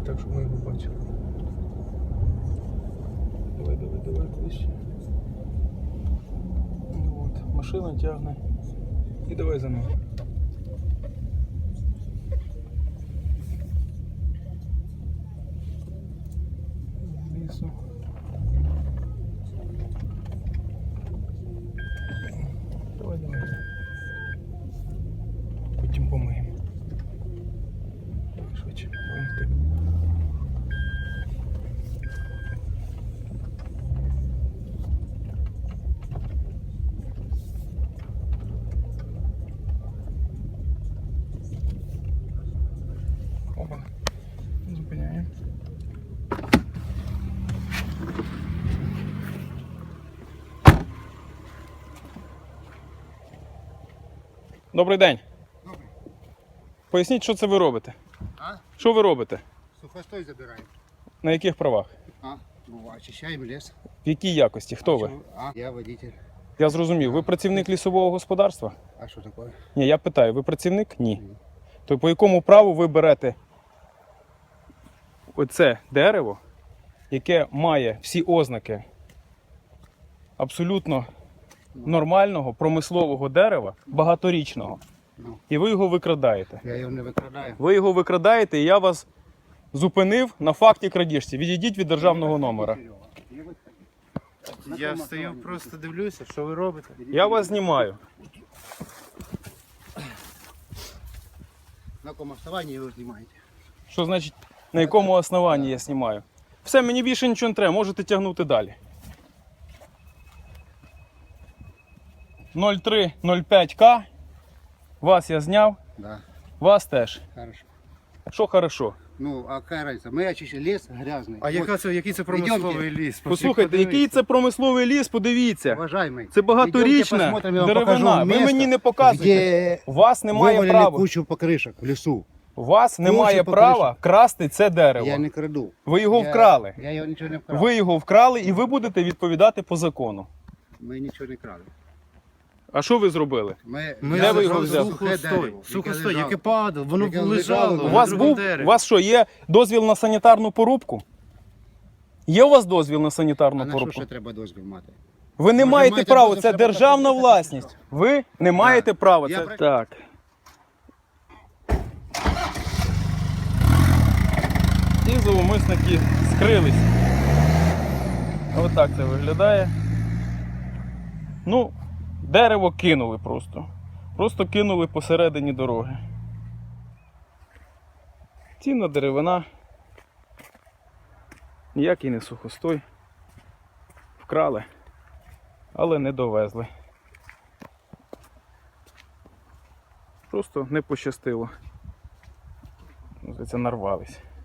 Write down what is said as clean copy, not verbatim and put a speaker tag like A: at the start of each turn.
A: так, щоб ми його бачили. Давай ближче. Ну от, машина тягне. І давай за ним. Лісу. Давай. Потім помиємо. Швидше. Опа. Зупиняємо. Добрий день.
B: Добрий.
A: Поясніть, що це ви робите?
B: А?
A: Що ви робите?
B: Сухостой забираємо.
A: На яких правах?
B: Очищаємо ліс.
A: В якій якості? Хто ви?
B: Я водитель.
A: Я зрозумів. Ви працівник лісового господарства?
B: А що таке?
A: Ні, я питаю, ви працівник? Ні. То по якому праву ви берете оце дерево, яке має всі ознаки абсолютно нормального промислового дерева, багаторічного, і ви його викрадаєте?
B: Я його не викрадаю.
A: Ви його викрадаєте, і я вас зупинив на факті крадіжці. Відійдіть від державного номера.
C: Я стою, просто дивлюся, що ви робите.
A: Я вас знімаю.
B: На якому основанні ви знімаєте?
A: Що значить, на якому основанні я знімаю? Все, мені більше нічого не треба, можете тягнути далі. 0305К. Вас я зняв,
B: Да.
A: вас теж.
B: Хорошо.
A: Що хорошо?
B: Ну, а яка разниця? Ми очищаємо ліс грязний.
C: А який це промисловий ліс?
A: Послухайте, який це промисловий ліс, подивіться.
B: Уважаемый,
A: Це багаторічна деревина. Ви мені не показуєте. У вас немає
B: вивалили
A: права.
B: кучу покришок в лісу.
A: У вас немає
B: покришок.
A: права красти це дерево.
B: Я не краду.
A: Ви його вкрали.
B: Я його нічого не вкрав.
A: Ви його вкрали і ви будете відповідати по закону.
B: Ми нічого не крали.
A: А що ви зробили? Де ви його взяли?
C: Сухостой, яке падало, воно
B: Яке
C: лежало.
B: лежало.
A: У вас був, у вас що, є дозвіл на санітарну порубку? Є у вас дозвіл на
B: А
A: санітарну
B: на що
A: порубку?
B: ще треба дозвіл мати?
A: Ви не
B: Може,
A: маєте
B: маєте
A: права,
B: дозвіл,
A: це
B: треба
A: державна
B: так
A: власність. Ви не маєте права.
B: Я
A: Це...
B: про-
A: Так. І зловмисники скрились. Ось так це виглядає. Ну, дерево кинули просто. Просто кинули посередині дороги. Цінна деревина. Ніякий не сухостой. Вкрали, але не довезли. Просто не пощастило. Це нарвались.